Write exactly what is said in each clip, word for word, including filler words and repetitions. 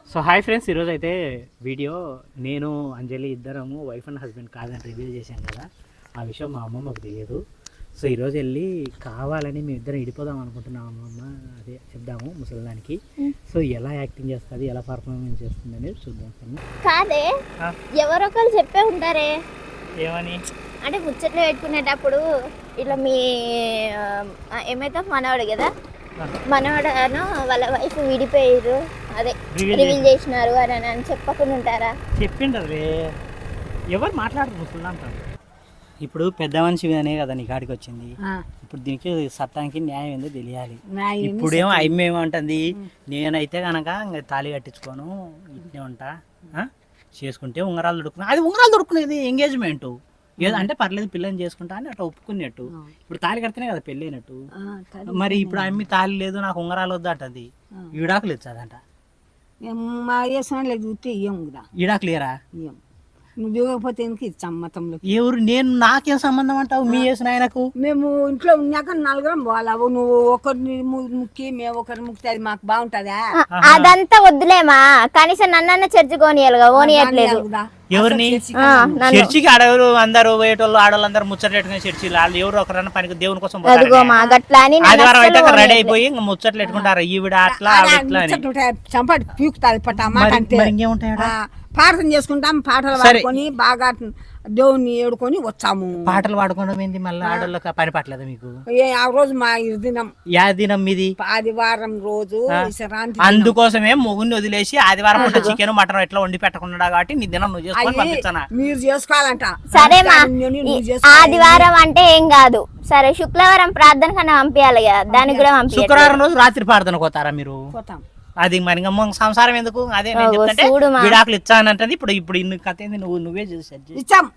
So hi friends, ఈరోజు అయితే video నేను అంజలి ఇద్దరము వైఫ్ అండ్ హస్బెండ్ కాదని రివీల్ చేశాం కదా. ఆ విషయం మా అమ్మమ్మకు తెలియదు. సో ఈరోజు వెళ్ళి కావాలని మేము ఇద్దరం ఇడిపోదాం అనుకుంటున్నాం. అమ్మమ్మ అదే చెప్దాము ముసలిదానికి. సో ఎలా యాక్టింగ్ చేస్తుంది, ఎలా పర్ఫార్మెన్స్ చేస్తుంది అనేది చూద్దాం. కాదే ఎవరొకరు చెప్పే ఉంటారే ఏమని అంటే ముచ్చట్లు పెట్టుకునేటప్పుడు ఇట్లా మీ ఏమైతే మనవాడు కదా, మనవాడను వాళ్ళ వైఫ్ విడిపోయారు, అదే రివీల్ చేసినారు అని అని చెప్పకుండా ఉంటారా? చెప్పిండ్రే, ఎవరు మాట్లాడరు ముసలిదా అంటారు. ఇప్పుడు పెద్ద మనిషి అనే కదా నీ కాడికి వచ్చింది. ఇప్పుడు దీనికి చట్టానికి న్యాయం ఏందో తెలియాలి. ఇప్పుడేమో అమ్మ ఏమంటుంది, నేనైతే కనుక ఇంకా తాళి కట్టించుకోను, ఇట్నే ఉంటా, చేసుకుంటే ఉంగరాలు దొడుకున్నా. అది ఉంగరాలు దొడుకునేది ఎంగేజ్మెంట్ ఏదో అంటే పర్లేదు, పిల్లని చేసుకుంటా అని అట్లా ఒప్పుకున్నట్టు. ఇప్పుడు తాళి కడితేనే కదా పెళ్ళి అయినట్టు. మరి ఇప్పుడు అమ్మి తాళి లేదు, నాకు ఉంగరాలు వద్దు అంటది. ఈడాకులు ఇచ్చాదంట. ఈడాకులు ఇయరా? నువ్వు దిగకపోతే సమ్మతంలో ఎవరు? నేను నాకేం సంబంధం అంటావు? మీ వేసిన ఆయనకు మేము ఇంట్లో ఉన్నాక నలుగురం పోవాలా? నువ్వు ఒకరిని ముక్కి మేము ఒకరిని ముక్కి అది మాకు బాగుంటదా? అదంతా వద్దులేమా, కనీసం నన్న చర్చి కోనియాలిగా, ఓనియట్లేదు. ఎవరిని చర్చికి ఆడెవరు? అందరు పోయేటోళ్ళు ఆడవాళ్ళు అందరు ముచ్చట పెట్టుకుని చర్చిలు వాళ్ళు ఎవరు ఒకరన్నా పనికి దేవుని కోసం ఆదివారం అయితే రెడీ అయిపోయి ఇంకా ముచ్చట్లు పెట్టుకుంటారు. ఈవిడ అట్లా చంపటి పీకుతాది పట్ట ఇంకేముంటాయి. ప్రార్థన చేసుకుంటాం, పాటలు పాడుకొని బాగా దేవుని ఏడుకొని వచ్చాము. పాటలు పాడుకోవడం ఏంది మళ్ళీ? ఆడోళ్ళకి పని పట్టలేదు మీకు? ఆ రోజు మా దినం యా దినం మీది? ఆదివారం రోజు. అందుకోసమే మొగుని వదిలేసి ఆదివారం పూట చికెన్ మటన్ ఎట్లా వండి పెట్టకుండా కాబట్టి నీ దినం నువ్వు చేసుకొని పంపిస్తానా? మీరు చేసుకోవాలంట. సరే ఆదివారం అంటే ఏం కాదు, సరే శుక్రవారం ప్రార్థన కన్నా పంపించాలి కదా, దానికి కూడా పంపి. శుక్రవారం రోజు రాత్రి ప్రార్థన పోతారా మీరు? పోతాం. అది మరి సంసారం ఎందుకు? అదే నేను చెప్తాంటే విడాకులు ఇచ్చానంటే ఇప్పుడు ఇప్పుడు ఇన్ని కథ ఏంది? నువ్వు నువ్వే ఇచ్చాం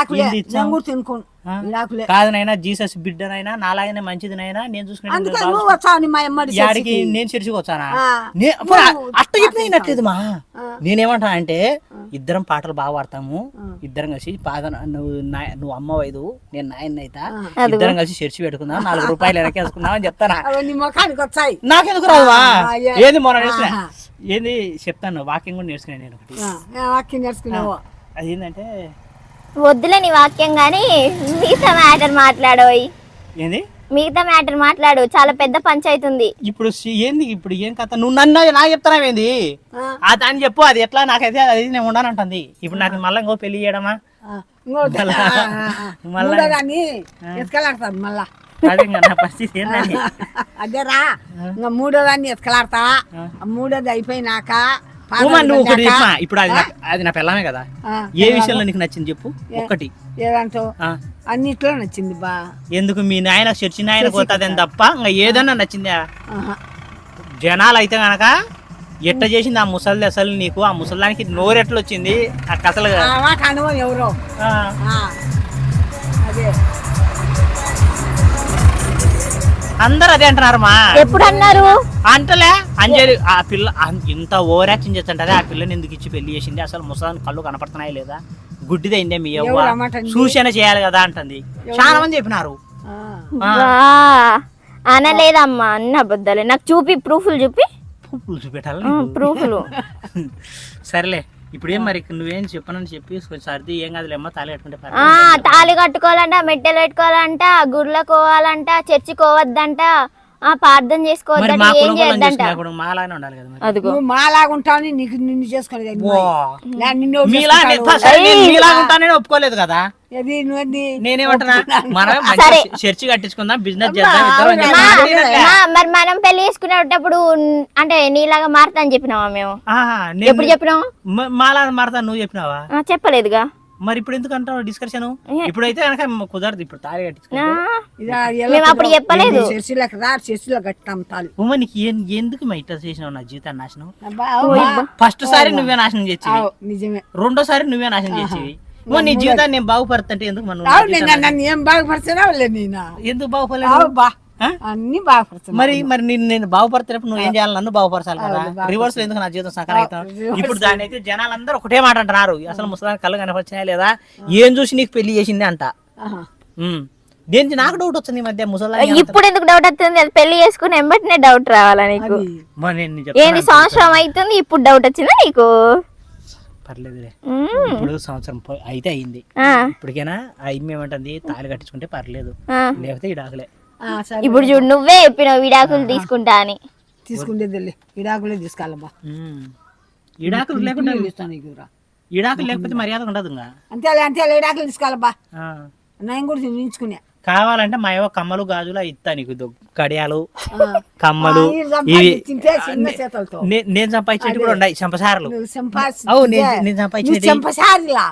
కాదు నైనా, జీసస్ బిడ్డనైనా నాలాగనే మంచిదినైనా నేను చూసుకున్నాడికి నేను చర్చికి వచ్చానా? అట్ట చెప్పినట్లేదు మా. నేనేమంటా అంటే ఇద్దరం పాటలు బాగా పాడతాము, ఇద్దరం కలిసి పాద నువ్వు నువ్వు అమ్మ వైదు నేను నాయన అయితా, ఇద్దరం కలిసి చర్చి పెట్టుకుందాం, నాలుగు రూపాయలు వెనకేసుకుందాం అని చెప్తానా? నాకెందుకు రావా? ఏది మొన్న నేర్చుకున్నా, ఏంది చెప్తాను, వాక్యం కూడా నేర్చుకున్నాను నేను ఒకటి. వాక్యం నేర్చుకున్నావు? అదేంటంటే వద్దులే నీ వాక్యం గానీ మిగతా మ్యాటర్ మాట్లాడోయ్. ఏంది మిగతా మ్యాటర్ మాట్లాడు, చాలా పెద్ద పంచాయతీ ఉంది ఇప్పుడు. ఏంది ఇప్పుడు ఏం కథ? నువ్వు నన్ను నాకు చెప్తానా ఏంది? అని చెప్పు, అది ఎట్లా నాకైతే అది నేను ఉండాలంటుంది. ఇప్పుడు నాకు మళ్ళీ ఇంకో పెళ్లి చేయడమా? మళ్ళా అదే నా పరిస్థితి ఏంటని. అదేరా ఇంకా మూడో దాన్ని ఎత్కలాడతా, మూడోది అయిపోయినాక ఇప్పుడు అది అది నా పిల్లమే కదా. ఏ విషయంలో నీకు నచ్చింది చెప్పు ఒక్కటి. ఏదంటో అన్నిట్లో నచ్చింది బా. ఎందుకు మీ నాయన చర్చి నాయన పోతాదని తప్ప ఇంకా ఏదన్నా నచ్చిందా? జనాలు అయితే గనక ఎట్ట చేసింది ఆ ముసలి అసలు నీకు? ఆ ముసలానికి నోరెట్లు వచ్చింది ఆ కథలు ఎవరో అదే అందరు అదే అంటున్నారు మా. ఎప్పుడు అన్నారు? అంటలే అంజలి ఆ పిల్ల ఇంత ఓవర్ యాక్షన్ చేస్తుంటది. ఆ పిల్లని ఎందుకు ఇచ్చి పెళ్లి చేసింది? అసలు ముసలాన్ని కళ్ళు కనపడుతున్నాయి లేదా? గుడ్డిదైందే మీ అవ్వ, సూచన చేయాలి కదా అంటుంది. చాలా మంది చెప్పినారు. అనలేదమ్మా, అన్న అబద్ధాలే. నాకు చూపి, ప్రూఫ్లు చూపి. ప్రూఫ్లు చూపెట్టాలి, ప్రూఫ్లు. సరేలే, ఇప్పుడు ఏం మరి నువ్వేం చెప్పనని చెప్పి సర్ది ఏం కాదులేమ్మా, తాళి కట్టుకుంటే తాళి కట్టుకోవాలంట, మెట్టెలు పెట్టుకోవాలంట, గుడిలోకి పోవాలంట, చర్చి పోవద్దంట, ప్రార్థన చేసుకోవద్దంట, ఏం చేయొద్దంట. మాలాగానే ఉండాలి కదా. అదిగో మాలాగా ఉంటాను, నీకు నిన్ను చేసుకోలేదు, ఒప్పుకోలేదు కదా. నేనేమంటున్నా, మనం చర్చి కట్టించుకుందాం, బిజినెస్ చేద్దాం. మరి మనం పెళ్లి చేసుకునేటప్పుడు అంటే నీలాగా మారుతా అని చెప్పినావా? మేము ఎప్పుడు చెప్పినావు? మాలాగా మారుతా నువ్వు చెప్పినావా? చెప్పలేదుగా. మరి ఇప్పుడు ఎందుకు అంటావు డిస్కషన్? ఇప్పుడైతే కనుక కుదరదు, ఇప్పుడు తాళి కట్టించుకుంటాం. అప్పుడు చెప్పలేదు. ఉమ్మ నీకు ఎందుకు మా ఇట్లా చేసినావు? నా జీవితాన్ని నాశనం. ఫస్ట్ సారి నువ్వే నాశనం చేసేవి, నిజమే. రెండోసారి నువ్వే నాశనం చేసేవి. నీ జీవితాన్ని నేను బాగుపడుతుంటే ఎందుకు మనం ఏం బాగుపరచనా? ఎందుకు బాగుపడలేదు? అన్ని బాగుపడతాను. మరి మరి నేను నేను బాగుపడుతున్నప్పుడు నువ్వు ఏం చేయాలి? నన్ను బాగుపరచాలి కదా. రివర్స్ లో ఎందుకు నా జీవితం సకలం అవుతాం? ఇప్పుడు దాని అయితే జనాలందరూ ఒకటే మాట అంటున్నారు, అసలు ముసలానికి కళ్ళు కనపరిచినా లేదా, ఏం చూసి నీకు పెళ్లి చేసింది అంట. దేనికి నాకు డౌట్ వచ్చింది ఈ మధ్య ముసలా ఇప్పుడు ఎందుకు డౌట్ వస్తుంది? అది పెళ్లి చేసుకుని ఎంబటినే డౌట్ రావాలా నీకు? ఏంది సంవత్సరం అవుతుంది ఇప్పుడు డౌట్ వచ్చిందా నీకు? పర్లేదులే, ఇప్పుడు సంవత్సరం పో- అయితే అయింది. ఇప్పటికైనా అయ్యి ఏమంటుంది, తాళి కట్టించుకుంటే పర్లేదు, లేకపోతే ఇడాకులే. ఇప్పుడు చూడు నువ్వే చెప్పినావు విడాకులు తీసుకుంటా అని. తీసుకుంటేది విడాకులే తీసుకోవాలబ్బా. ఇడాకులు లేకుండా ఇస్తాను నీకు రా. ఇడాకులు లేకపోతే మర్యాద ఉండదు. ఇంకా అంతే అంతే విడాకులు తీసుకోవాలబ్బా. నేను కూడా నించుకునే కావాలంటే మా ఏవో కమ్మలు గాజులు ఇస్తా నీకు, దొ- కడియాలు కమ్మలు ఇవి తింటే చిన్న చేతులతో నే- నేను సంపాదించేటి కూడా ఉన్నాయి చంపసారలు. నువ్వు సంపాదించి- అవు నేను నేను నువ్వు సంపాదించేటి చంపసారిలా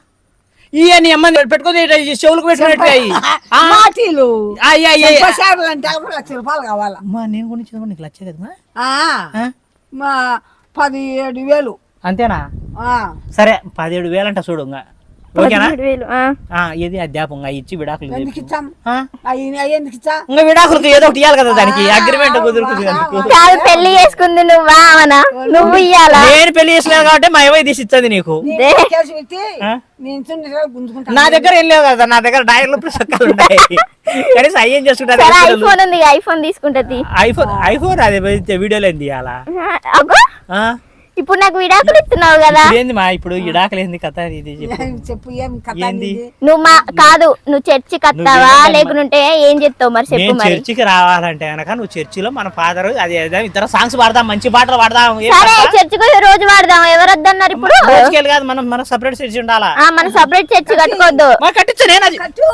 ఇయ్య నీ అమ్మ పెట్టుకుని చెవులకు పెట్టుకున్నట్టు మాటీలు చంపసారులు అంటే అవి లక్ష రూపాయలు కావాలా? అమ్మా నేను కూడా చదువు నీకు లచ్చే కదమ్మా. ఆ, మా పదిహేడు వేలు. అంతేనా? ఆ, సరే పదిహేడు వేలు అంట చూడు. ఇంకా ఓకేనా? పదిహేడు వేలు, ఆ. ఆ, ఇది అధ్యాపంగా ఇచ్చి విడాకులు ఎందుకు చెప్పు. ఇచ్చాం? ఆ? అవి అవి ఎందుకు ఇచ్చా? ఇంకా విడాకులకు ఏదో ఒకటి ఇవ్వాలి కదా, దానికి అగ్రిమెంట్ కుదురుతుంది అందుకు. కాదు పెళ్లి చేసుకుంది నువ్వా అవనా? నువ్వు ఇయ్యాలా? నేను పెళ్లి చేసినాను కాబట్టి మా ఏవో తీసి ఇచ్చింది నీకు. నీ కేసు పెట్టి ఆ? నేను చున్నీ గుంజుకుంటా. నా దగ్గర ఏం లేవు కదా, నా దగ్గర డైర్లు ఇప్పుడు చక్కలు ఉంటాయి. కనీసం అయ్యేం సరే చేసుకుంటారు. ఐఫోన్ ఉంది, ఐఫోన్ తీసుకుంటది. ఐఫోన్ ఐఫోన్ అది వీడియోలో ఏంది ఇవ్వాలా? అగో ఇప్పుడు నాకు విడాకులు ఇస్తున్నావు కదా. ఏంది మా ఇప్పుడు ఇడాకలు ఏంది కథ ఇది చెప్పు. చెప్పు ఏం కథ ఏంది? నీది? నువ్వు మా కాదు నువ్వు చర్చికి వస్తావా లేకుంటే ఏం చెప్తావు మరి చెప్పు నేను మరి. చర్చికి రావాలంటే కనుక నువ్వు చర్చిలో మన ఫాదర్ అది ఏదో ఇతర సాంగ్స్ పాడదాం, మంచి పాటలు పాడదాం. ఏం సరే కథ? చర్చికి పోయి రోజు వాడదాం. ఎవరు వద్దన్నారు ఇప్పుడు? రోజుకెళ్ళి కాదు, మనం మన సపరేట్ చర్చి ఉండాలా. ఆ మన సపరేట్ చర్చి కట్టుకోవద్దు. మా కట్టించా నేను అది కట్టు.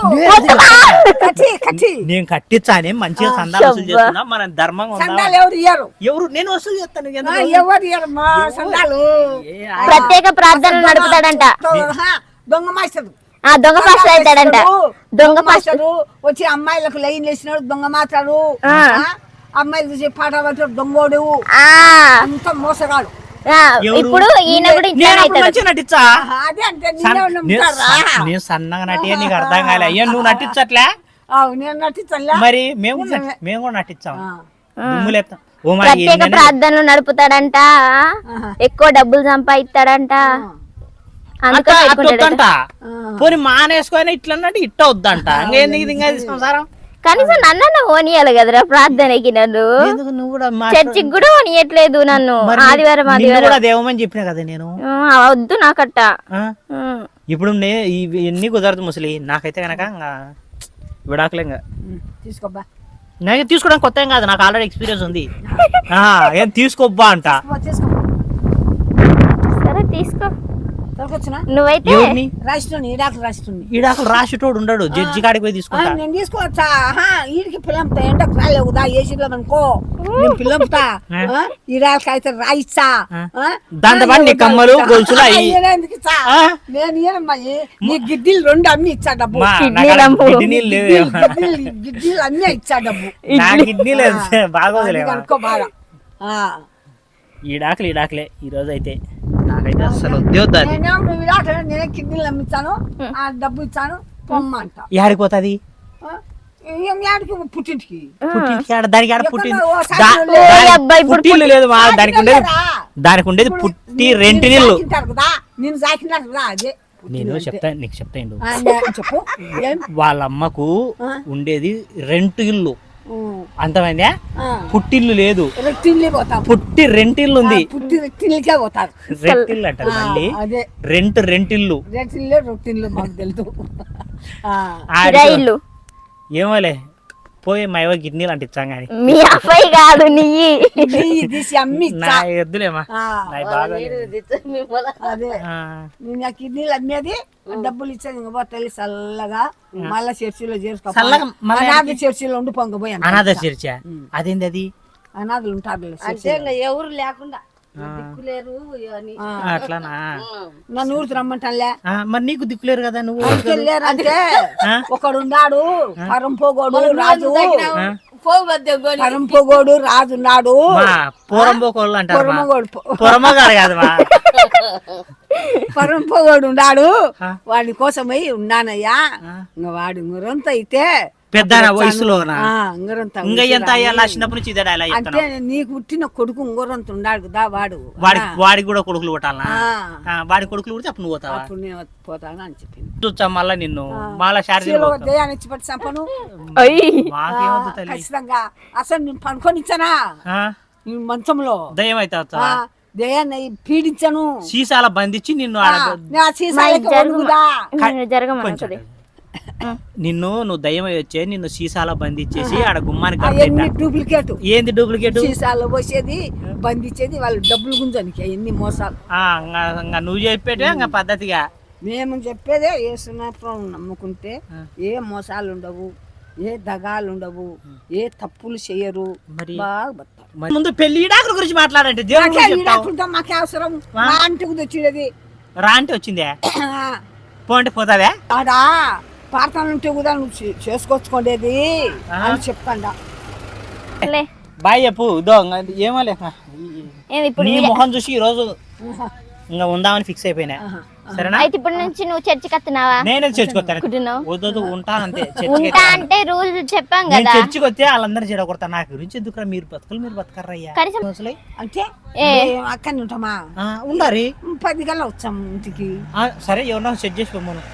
కట్టి కట్టి నేను కట్టించానే మంచిగా సందాలు వసూలు చేస్తున్నాం, మన ధర్మంగా ఉందాం. సందాలు ఎవరు ఇయ్యరు? ఎవరు నేను వసూలు చేస్తాను ఆ, ఎందుకు? ఎవరు ఇయ్యరు మా సందాలు? ఏ, ప్రత్యేక ప్రార్థనలు నడుపుతాడంట. ఆ, దొంగ మాస్టర్ ఆ దొంగ పాస్టర్ అవుతాడంట. దొంగ పాస్టర్ మాస్టరు వచ్చి అమ్మాయిలకు లైన్ వేసినాడు దొంగ మాట్లాడు. ఆ. అమ్మాయిలు చూసి పాట పట్టాడు దొంగోడు. ఆ అంత మోసగాడు. ఆ, ఎవరు? ఇప్పుడు ఈయన కూడా నేను ఇట్లా అప్పుడు మంచిగా నటించా. ఆహా, అదే అంటే సన్- నేనే నేను నమ్ముతారా? సన్- నేను సన్నగా నటి నీకు అర్థం కాలే. అయ్యా నువ్వు నటించట్లే, అవు, నేను నటించలే. మరి మేము కూడా నటి- మేము కూడా నటించాం. దుమ్ము లేపుతాం. ఓ మా ప్రత్యేక ఎన్నెన్ని- ప్రార్థనలు నడుపుతాడంట. ఎక్కువ డబ్బులు సంపాదిస్తాడంట. అందుకే అట్ట- అట్ట పెట్టుకుంటాడట. వద్దంట. పోనీ మానేసుకొని ఇట్లా అన్నట్టు ఇట్ట వద్దంట. ఇంకేందుకు ఇది ఇంకా ఇది సంసారం? కనీసం నన్న ఓనియాలి కదరా ప్రార్థనకి. నన్ను ఎందుకు నువ్వు కూడా మా- చర్చికి కూడా ఓనియట్లేదు నన్ను. మరి ఆదివారం నిన్ను ఆదివారం కూడా దేవమని చెప్పినా కదా నేను. ఆ, వద్దు నాకట్ట. ఆ? ఉమ్. ఇప్పుడు నే ఇవి ఎన్ని కుదరదు ముసలి. నాకైతే కనుక ఇంకా విడాకులే. ఇంకా తీసుకోబ్బా నేను తీసుకోవడానికి కొత్త ఏం కాదు, నాకు ఆల్రెడీ ఎక్స్పీరియన్స్ ఉంది. ఆ, ఏం తీసుకోబ్బా అంట. తీసుకో సరే తీసుకో. తొలకొచ్చిన నువ్వైతే ఎవరిని? రాష్ట్రం ఈడాకులు రాష్ట్రం ఈడాకులు రాసేటోడు ఉండడు, జడ్జి కాడికి పోయి తీసుకుంటా. నేను తీసుకోవచ్చా? ఈడికి పిల్లంతా ఎండకు రాలేవుదా ఏసీలో అనుకో నేను పిల్లంతా ఈడాకి అయితే రాయిచ్చా. ఆ? దాంతో పాటు నీ కమ్మలు గొలుసులు అయ్యి నేను ఎందుకు ఇచ్చా? ఆ? నేను ఇయ్యనమ్మా. నీ గిడ్డీలు రెండు అమ్మి ఇచ్చా డబ్బు. మా కిడ్నీ నాకు రంపు. కిడ్నీలు లేవు. గిడ్డీలు గిడ్డీలు అన్నీ ఇచ్చా డబ్బు. నా కిడ్నీ లేదు, బాగోదులే. అనుకో బాగా. ఆ. ఈడాకులు ఈడాకులే ఈ రోజు అయితే నాకైతే అసలు ఉద్యోగాలు. నేనేమో నువ్వు ఇలాట నేనే కిడ్నీలు అమ్మిస్తాను ఆ డబ్బు ఇచ్చాను పొమ్మ అంట. యాడికి పోతుంది? ఆ? ఏం యాడికి పుట్టింటికి పుట్టింటికి ఆడ దానికి ఆడ పుట్టింది ఎక్కడో ఓ దా- సాయంత్రం దాని లేదు. అబ్బాయి ఇప్పుడు పుట్టిల్లు లేదు మా దానికి ఉండేది దానికి ఉండేది పుట్టి రెంటి నీళ్ళు. సాకింటారు కదా నేను సాకినారు కదా అదే నేను చెప్తా నీకు చెప్తాను. ఆ, నే- చెప్పు ఏం వాళ్ళ అమ్మకు ఆ? ఉండేది రెంట్ ఇల్లు, ఉమ్. అంతమైందా? ఆ. పుట్టిల్లు లేదు, రెట్టిల్లి పోతాం పుట్టి రెంటిల్లు ఉంది. ఆ, పుట్టి రెట్టిల్లికే పోతారు. రెంటిల్లు అంటారు ఆ, మళ్ళీ. అదే రెంట్ రెంటిల్లు. రెట్టిల్లే రొట్టిల్లు మాకు తెలుసు. ఆ. ఆడికి- కిరాయిల్లు. ఏమోలే పోయి మా ఏవో కిడ్నీలు అంటే ఇచ్చాం కానీ మీ అబ్బాయి కాదు నీయి. నెయ్యి తీసి అమ్మి నా ఇచ్చా. ఎద్దులేమా ఆ, నా బాగా అదే ఆ. నేను ఆ కిడ్నీలు అమ్మేది డబ్బులు ఇచ్చేది ఇంకా పోతే చల్లగా మళ్ళా చర్చిలో చేసుకో. చల్లగా మళ్ళా అనాథ చర్చిలో ఉండి పొంగపోయి అనాథ చర్చ అదేంది అది? అనాథలు ఉంటారు ఎవరు లేకుండా దిక్కులేరు అని ఆ. అట్లానా? నన్ను ఊరికి రమ్మంటానులే. ఆ, మరి నీకు దిక్కులేరు కదా నువ్వు. అంటే ఆ? ఒకడు ఉన్నాడు పరంపోగోడు రాజు. పోగు మధ్య కొని పరంపోగోడు రాజు ఉన్నాడు. మా పూరంబోకోళ్ళు అంటారు మా. పొరమగోడు పొరమగాడు కాదు మా. పరంపోగోడు ఉన్నాడు. ఆ. వాడి కోసమై ఉన్నానయ్యా. ఇంకా వాడి మురంత అయితే పెద్ద వయసులోనా ఆ, ఉంగరంత ఇంకా ఎంత అయ్యాలా చిన్నప్పటి నుంచి ఇదే డైలాగ్ అంటే నీకు పుట్టిన కొడుకు ఉంగరంత ఉన్నాడు కదా వాడు వాడి వాడికి కూడా కొడుకులు కొట్టాలనా ఆ, వాడి కొడుకులు కొడితే అప్పుడు నువ్వు పోతావా అప్పుడు నేను పోతాను అని చెప్పింది చూచా మళ్ళా నిన్ను మళ్ళా చీలో దయాన్ని ఇచ్చి పట్టి చంపను మాకేమొద్దు తల్లి ఖచ్చితంగా అసలు నేను పనుకొని ఇచ్చానా ఆ? నీ మంచంలో దయ్యం అయితే ఆ, దయాన్ని పీడించను సీసాల బంధించి నిన్ను ఆడ నా సీసాలకి ఒడుగుదా జరగమనుకుంది నిన్ను నువ్వు దయ్యం అయి వచ్చే నిన్ను సీసాల బంధించేసి ఆడ గుమ్మానికి అవన్నీ కట్టేట. డూప్లికేట్ ఏంది డూప్లికేట్ సీసాలు పోసేది బంధించేది వాళ్ళు డబ్బులు గుంజానికి అవన్నీ మోసాలు ఇంకా నువ్వు చెప్పేటే ఇంకా పద్ధతిగా మేము చెప్పేదే ఏ సునాపురం నమ్ముకుంటే ఏ మోసాలు ఉండవు ఏ దగాలు ఉండవు ఏ తప్పులు చేయరు మరి బాగా బతారు మరి ముందు పెళ్లి ఈడాకుల గురించి మాట్లాడంటే దేవుడి గురించి చెప్తావు. మాకే అవసరం మా ఇంటికి తెచ్చేది రా అంటే వచ్చిందే పోంటే పోతావే ఆడా పార్థన ఉంటే కూడా నువ్వు చే- చేసుకొచ్చుకోండేది అని చెప్తాండా లే. బాయ్ చెప్పు ఇదో ఇంకా ఏమో లేక ఏమి ఇప్పుడు నీ మొహం చూసి ఈ రోజు ఇంకా ఉందామని ఫిక్స్ అయిపోయినా సరేనా అయితే ఇప్పటి నుంచి నువ్వు చర్చికి వస్తున్నావా నేనే చర్చికి కుట్టినావు? వద్దు ఉంటానంతే చర్చికి ఉంటా అంటే రూల్ చెప్పాం నేను కదా చర్చికి వస్తే వాళ్ళందరూ చెడగొడతా నా గురించి ఎందుకురా మీరు బతుకులు మీరు బతకర్రయ్యా కనీసం అసలే అంటే ఏ. మేము అక్కడనే ఉంటామా ఆ, ఉండాలి పది గల్లా వచ్చాం ఇంటికి ఆ, సరే ఎవరన్నా సెట్ చేసి పోమను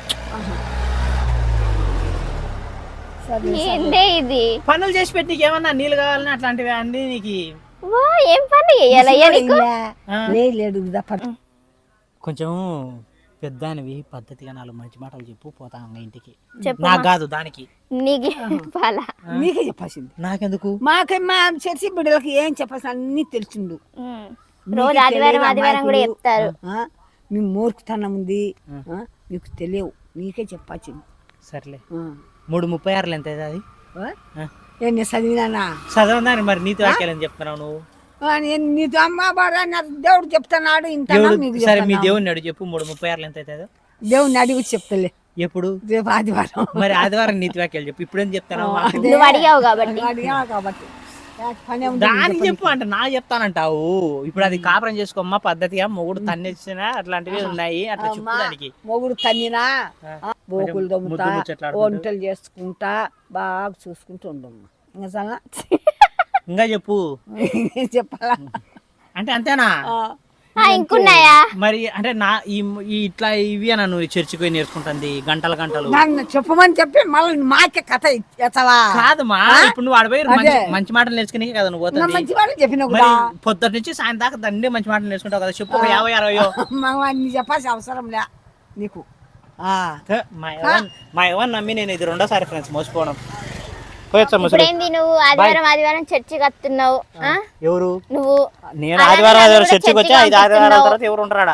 సరే ఏందే ఇది పనులు చేసి పెట్టి నీకు ఏమన్నా నీళ్ళు కావాలని అట్లాంటివి అన్ని నీకు ఓ ఏం పని చేయాలయ్యా నీకు ఆ. లే- లేడు కదా పట్టు. కొంచెం పెద్దానివి పద్ధతిగా నాలుగు మంచి మాటలు చెప్పు పోతా ఇంకా ఇంటికి చెప్పు నాకు కాదు దానికి నీకు పాలా నీకే చెప్పాల్సింది నాకెందుకు మాకే మా చర్చి బిడ్డలకి ఏం చెప్పాల్సి అన్ని తెలిసిండు ఉమ్. రోజు ఆదివారం ఆదివారం కూడా చెప్తారు ఆ, మీ మూర్ఖతనం ఉంది ఆ, మీకు తెలియవు నీకే చెప్పాల్సింది సర్లే ఆ. మూడు ముప్పై ఆరులు ఎంత అవుతుంది అది ఆ? ఆ. ఏం నేను చదివినానా చదవదాన్ని మరి నీతి వాక్యాలని చెప్తున్నావు నువ్వు ఆ, నేను నీతో అమ్మ బాగా దేవుడు చెప్తున్నాడు ఇంత దేవుడు మీకు సరే మీ చెప్తున్నావు. దేవుడిని అడుగు చెప్పు మూడు ముప్పై ఆరులు ఎంత అవుతుందో దేవుడిని అడిగి చెప్తలే ఎప్పుడు రేపు ఆదివారం మరి ఆదివారం నీతి వాక్యాలు చెప్పు ఇప్పుడేం చెప్తాను నువ్వు అడిగావు కాబట్టి అడిగా కాబట్టి నాకు పని ఉంది దానికి చెప్పు అంటే నా చెప్తానంటావు ఇప్పుడు అది కాపురం చేసుకోమ్మా పద్ధతిగా మొగుడు తన్నేసిన అట్లాంటివి ఉన్నాయి అట్లా చెప్పు దానికి మొగుడు తన్నినా ఆ. ఆ, బోకులు దమ్ముతా ముద్దు ముచ్చట్లాడుకుంటూ. వంటలు చేసుకుంటా బాగా చూసుకుంటూ ఉండమ్మా ఇంకా చాలా ఇంకా చెప్పు చెప్పాలా అంటే అంతేనా ఆ, ఆ, ఇంకున్నాయా మరి అంటే నా ఈ ఈ ఇట్లా ఇవి అని నువ్వు చర్చికి పోయి నేర్చుకుంటుంది గంటల గంటలు నన్ను చెప్పమని చెప్పి మళ్ళీ మాకే కథ ఎత్తవా కాదు మా ఇప్పుడు నువ్వు ఆడపోయి మంచి అదే. మంచి మాటలు నేర్చుకునే కదా నువ్వు నా పోతుంది మంచి వాళ్ళు చెప్పిన మరి కూడా పొద్దుట నుంచి సాయంత్రం దాకా దండే మంచి మాటలు నేర్చుకుంటావు కదా చెప్పు ఒక యాభై అరవయో నీ చెప్పాల్సిన అవసరం లే నీకు ఆ, థ, మా యవ్వన్ మా యవ్వన్ నమ్మి నేను ఇది రెండోసారి ఫ్రెండ్స్ మోసపోవడం పోయొచ్చా ముసలి ఇప్పుడేంది నువ్వు ఆదివారం ఆదివారం చర్చికి వస్తున్నావు ఆ? ఎవరు నువ్వు నేను అలాగే ఆదివారం నన్ను ఆదివారం కూడా చర్చికి వచ్చి చర్చికి ఐదు ఆదివారాల పంపిస్తున్నావు. తర్వాత ఎవరు ఉంటారా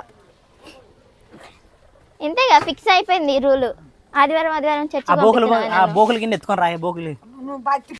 ఇంతేగా ఫిక్స్ అయిపోయింది రూల్ ఆదివారం ఆదివారం ఆ చర్చికి బోకులు పంపిస్తున్నావా ఆ నన్ను? బోకులు కింద ఎత్తుకొని రాయ బోకులు నువ్వు బయట